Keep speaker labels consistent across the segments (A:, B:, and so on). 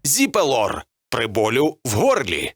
A: Зіпелор при болю в горлі.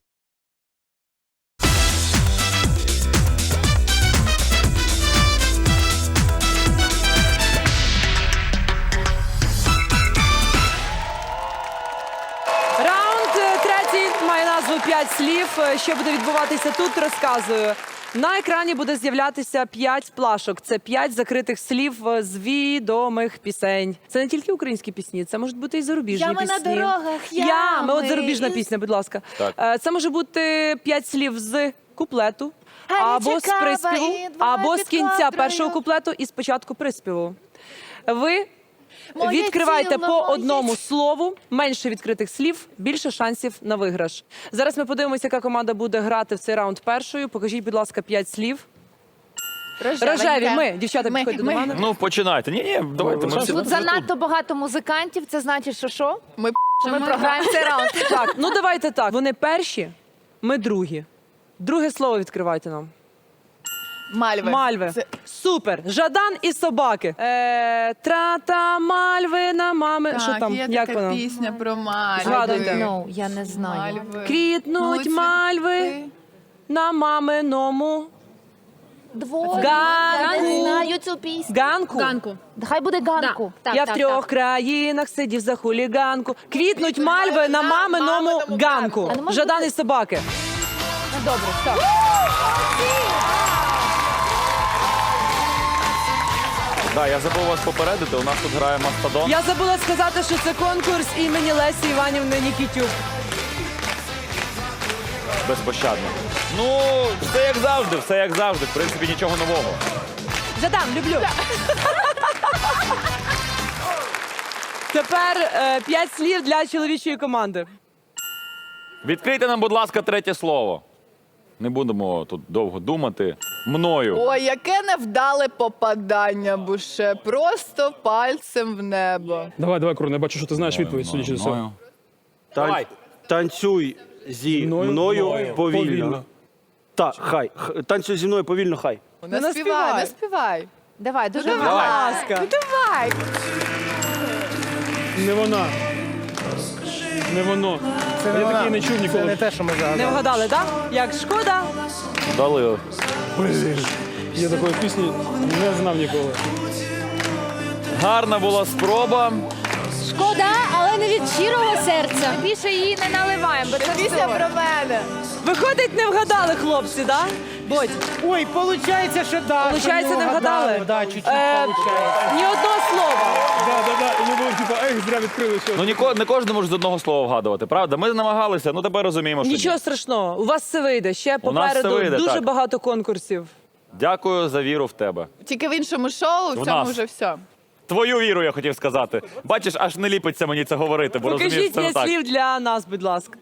B: Раунд третій має назву «5 слів». Що буде відбуватися тут, розказую. На екрані буде з'являтися 5 плашок. Це 5 закритих слів з відомих пісень. Це не тільки українські пісні, це можуть бути і зарубіжні
C: Ями
B: пісні.
C: на дорогах,
B: Ями. От зарубіжна пісня, будь ласка. Це може бути 5 слів з куплету, або з приспіву, або з кінця першого куплету і з початку приспіву. Ви відкривайте по одному слову, менше відкритих слів, більше шансів на виграш. Зараз ми подивимося, яка команда буде грати в цей раунд першою. Покажіть, будь ласка, 5 слів. Рожеві, ми. Дівчата, підходьте до мене.
D: Ну, починайте. Ні, давайте. Ми всі
C: Тут занадто багато музикантів, це значить, що що?
E: Ми
C: Ми програємо цей раунд.
B: Так, ну давайте так. Вони перші, ми другі. Друге слово відкривайте нам.
E: Мальви.
B: Мальви.
E: Це-
B: Супер. Жадан і собаки. Трата мальви на мами. Що там?
E: є
B: Як
E: така
B: воно?
E: пісня про мальви.
B: Згадуйте.
C: Ну, я не знаю.
E: Мальви.
B: Квітнуть мальви на маминому
C: Двоє.
B: Ганку.
C: Я не знаю цю пісню.
B: ганку.
C: Хай буде ганку.
B: Я в 3 країнах сидів за хуліганку. Квітнуть мальви на маминому ганку.
C: А не може
B: Жадан
C: бути-
B: і собаки.
C: Ну, добре, стоп.
D: Да, я забув вас попередити, у нас тут грає Мастодон.
B: Я забула сказати, що це конкурс імені Лесі Іванівни Нікітюк.
D: Безпощадно. Ну, все як завжди, все як завжди. В принципі, нічого нового.
B: Жадан, люблю. Тепер 5 слів для чоловічої команди.
D: Відкрийте нам, будь ласка, третє слово. Не будемо тут довго думати. Мною.
E: Ой, яке невдале попадання, Буше. Просто пальцем в небо.
F: Давай, Крон, я бачу, що ти знаєш відповідь, судячи з цього.
D: Мною.
G: Давай. Танцюй зі мною повільно. Так, хай. Танцюй зі мною повільно, хай.
E: Не
B: наспівай.
E: співай, не співай.
C: Давай, дуже
B: Будь
C: гарно.
B: ласка.
E: Давай.
F: Не вона. Не воно. Я такий не чув ніколи.
B: Не вгадали, так? Як шкода.
D: Дали.
F: Я такої пісні не знав ніколи.
D: Гарна була спроба.
C: Шкода, але не від щирого серця. Більше її не наливаємо, бо це
E: Пісня про мене.
B: Виходить, не вгадали, хлопці, так? Бодь,
H: Ой, получается, что да.
B: получається, не вгадали?
H: Да, чуть-чуть
B: Е,
H: получается.
B: Ні одного слова.
F: Да. І не було, типу, зря відкрили щось.
D: Ну, не кожен може з одного слова вгадувати, правда? Ми намагалися, ну тепер розуміємо, що
B: Нічого
D: ні.
B: страшного, у вас все вийде. Ще
D: У нас все
B: попереду
D: вийде,
B: дуже
D: так.
B: багато конкурсів.
D: Дякую за віру в тебе.
E: Тільки в іншому шоу, в
D: В
E: цьому
D: нас.
E: вже все.
D: Твою віру, я хотів сказати. Бачиш, аж не ліпиться мені це говорити, бо розумієш,
B: Покажіть
D: це не
B: 5
D: так.
B: слів для нас, будь ласка.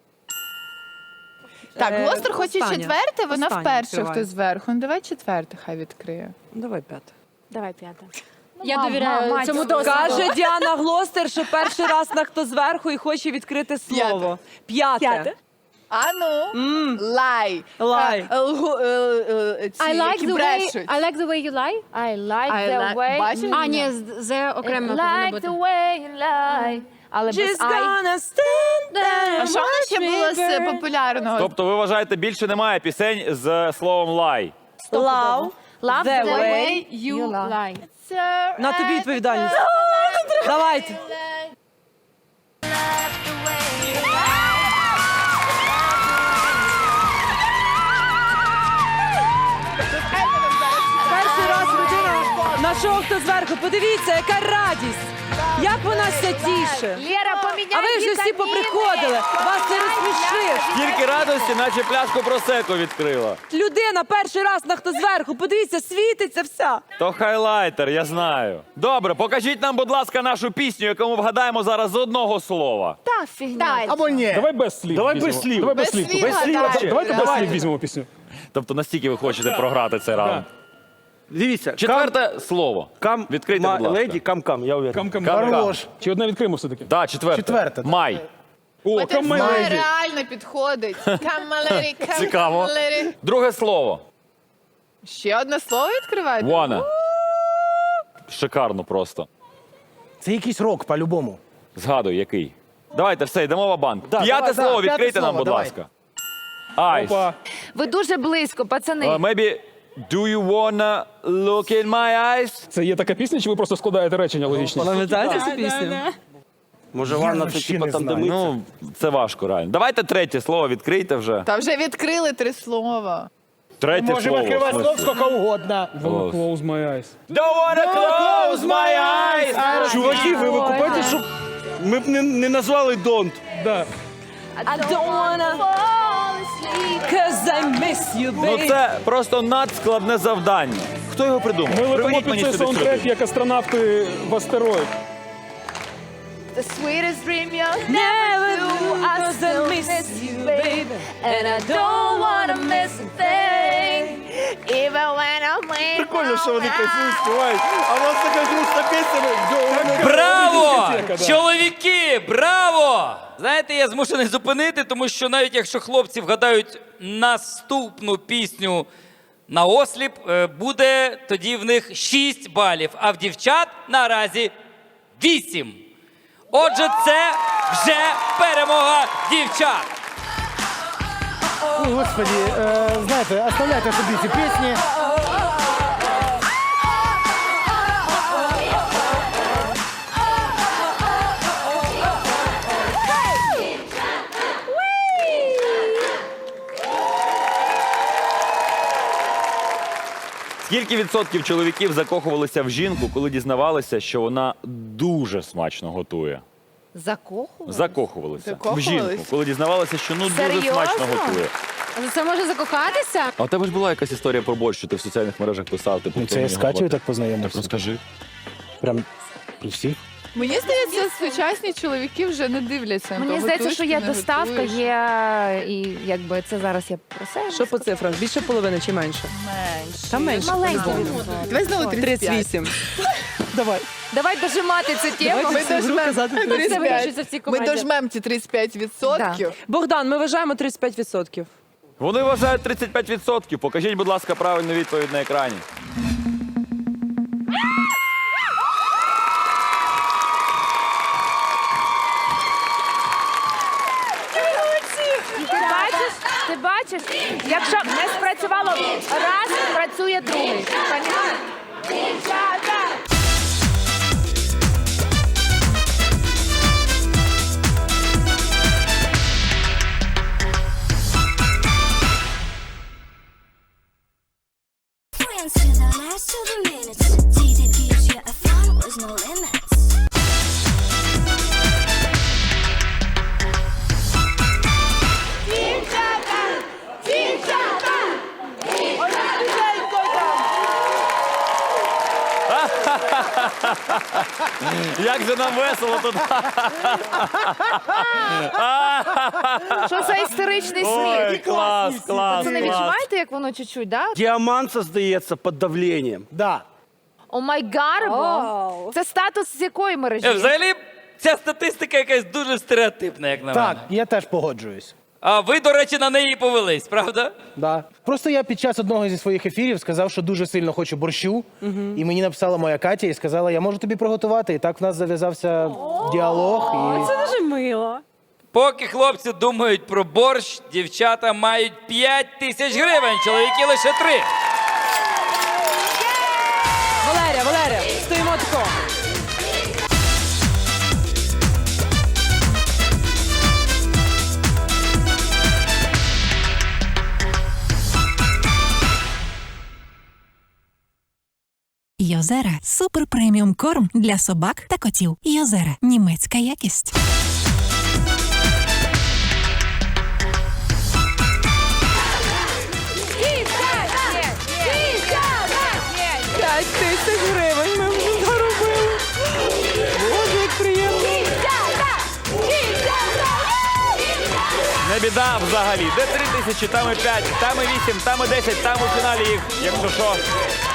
E: Так, Глостер хоче
B: остання.
E: четверте, вона
B: Остання
E: вперше
B: відкриває.
E: хтось зверху. Ну, давай четверте хай відкриє.
B: Давай 5.
C: Давай, п'ята. Я довіряю
E: мать,
C: цьому досвіду.
B: Каже Діана Глостер, що перший раз на хто зверху і хоче відкрити слово. П'яте.
E: А ну, лай.
B: Лай.
E: Ці, які брешуть.
I: I like the way you lie.
C: I like
E: I
C: the
E: like-
C: way...
E: Бачиш?
I: А, ні, це окремо повинно
C: Like
I: бути.
C: the way you lie. Але без
B: She's
C: I.
B: gonna stand there.
E: А що вона ще було з популярного?
D: Тобто ви вважаєте, більше немає пісень з словом лай?
B: Love
C: Love
B: the
C: the
B: way.
C: you lie.
B: На тобі відповідальність. Давайте. Перший раз людина на шоу «Хто зверху». Подивіться, яка радість. Як вона ся тіше.
C: Лера, поміняй
B: А ви вже всі
C: вітаміни.
B: поприходили. Вас це розсмішиш.
D: Тільки радості, наче пляшку просеко відкрила.
B: Людина перший раз на «Хто зверху». Подивіться, світиться вся.
D: То хайлайтер, я знаю. Добре, покажіть нам, будь ласка, нашу пісню, яку ми вгадаємо зараз з одного слова.
C: Та фігня.
H: Або ні.
F: Давай без слів.
G: Давай
F: візьмемо.
G: без слів.
F: Давай без
E: Без
F: слів.
E: слів
F: Без слів.
E: гадай.
F: Давайте без
G: Давай.
F: слів візьмемо пісню.
D: Тобто настільки ви хочете програти цей раунд.
G: Дивіться,
D: Четверте слово.
G: кам,
D: Відкрийте, будь ласка.
G: леді, кам-кам, я уверен.
F: Кам-кам. Чи одне відкриємо все-таки?
D: Так, четверте.
H: Четверте.
D: Май.
F: О,
E: Це
F: кам леді.
E: реально підходить. Камалері,
D: Цікаво. Друге слово.
E: Ще одне слово відкриваєте?
D: Wanna. Шикарно просто.
H: Це якийсь рок, по-любому.
D: Згадуй, який. Давайте, все, йдемо в банк.
H: Да,
D: П'яте
H: давай,
D: слово
H: да, п'яте
D: відкрийте нам,
H: слово,
D: будь
H: давай.
D: ласка. Айс.
F: Опа.
I: Ви дуже близько, пацани.
D: Maybe, do you wanna look in my eyes?
F: Це є така пісня, чи ви просто складаєте речення логічні?
B: Пам'ятаєте цю пісню?
G: Може, ванна це типа там, де миться?
D: Ну, це важко, реально. Давайте третє слово відкрийте вже.
E: Та вже відкрили 3 слова.
D: Третє
H: Можемо
D: слово.
H: відкривати
D: в
H: слов
D: смислі.
H: скільки угодно.
F: Wanna close my eyes.
D: Don't wanna close my eyes.
G: Чуваки, ви викупаєте, щоб ми б не назвали «Don't».
F: Да.
B: I don't wanna fall asleep, 'cause I miss you,
D: Ну
B: baby.
D: це просто надскладне завдання. Хто його придумав?
F: Ми летимо
D: Приведіть
F: під
D: мені
F: цей
D: сюди цю
F: саундтрек,
D: людину.
F: як астронавти в астероїд.
E: The sweetest dream you'll
B: Never do, 'cause I miss you, baby. And I don't wanna miss a thing.
E: Even when I'm laying
G: Прикольно, що вони працюють, співають. А у нас така грустна пісня.
J: Браво!
F: Дискотека, да.
J: Чоловіки, браво! Знаєте, я змушений зупинити, тому що навіть якщо хлопці вгадають наступну пісню на осліп, буде тоді в них 6 балів, а в дівчат наразі 8. Отже, це вже перемога дівчат.
H: Ой, Господи, знаєте, оставляйте собі ці пісні.
D: Скільки відсотків чоловіків закохувалися в жінку, коли дізнавалися, що вона дуже смачно готує?
E: Закохували?
D: Закохувалися в
E: Закохувались?
D: жінку, коли дізнавалися, що дуже
I: Серйозно?
D: смачно готує.
C: За це може закохатися?
D: А у тебе ж була якась історія про борщ, що ти в соціальних мережах писав. Типу,
H: Це я з Катєю так
D: Так
H: познайомився.
D: розкажи.
H: Прям при всіх.
E: Мені здається, сучасні чоловіки вже не дивляться. на
I: Мені
E: то,
I: здається,
E: готуєш
I: що
E: ти,
I: є
E: не
I: доставка,
E: готуєш.
I: є і якби це зараз я про себе.
B: Що по цифрах? Більше половини чи менше?
E: Менше.
B: Та менше.
I: Маленький
B: по-любому.
I: відсоток.
E: Давай знову 35.
B: 38.
H: Давай.
I: Давай дожимати цю тему.
B: Давайте всі в руки казати
I: Це
E: 35.
I: вирішиться в цій
E: Ми
I: команді.
E: дожмемо ці 35%.
B: Богдан, ми вважаємо 35%.
D: Вони вважають 35%. Покажіть, будь ласка, правильну відповідь на екрані.
I: Ти бачиш, якщо не спрацювало раз, працює другий. Понімаєш?
K: Friends to the last of the minutes. Tea that gives you a fun with no limits.
D: Як же нам весело тут.
I: Що за істеричний
D: Ой,
I: сміх?
D: клас, клас,
I: Це не
D: клас.
I: відчуваєте, як воно чуть-чуть, да?
G: Діамант создається під давленням.
H: Да.
I: О май гарбо. Це статус з якої мережі?
J: Взагалі, ця статистика якась дуже стереотипна, як на
H: Так,
J: мене.
H: я теж погоджуюсь.
J: А ви, до речі, на неї повелись, правда?
H: Да. Просто я під час одного зі своїх ефірів сказав, що дуже сильно хочу борщу. І мені написала моя Катя і сказала, я можу тобі приготувати. І так в нас зав'язався діалог. І...
C: Це дуже мило.
J: Поки хлопці думають про борщ, дівчата мають 5 тисяч гривень, чоловіки лише 3.
B: Валерія, стоїмо тако.
K: Йозера – супер преміум корм для собак та котів. Йозера – німецька якість.
B: П'ять тисяч гривень ми вже заробили. Боже, як приємно.
D: Не біда взагалі. Де 3 тисячі, там і 5, там і 8, там і 10, там у фіналі їх, якщо що,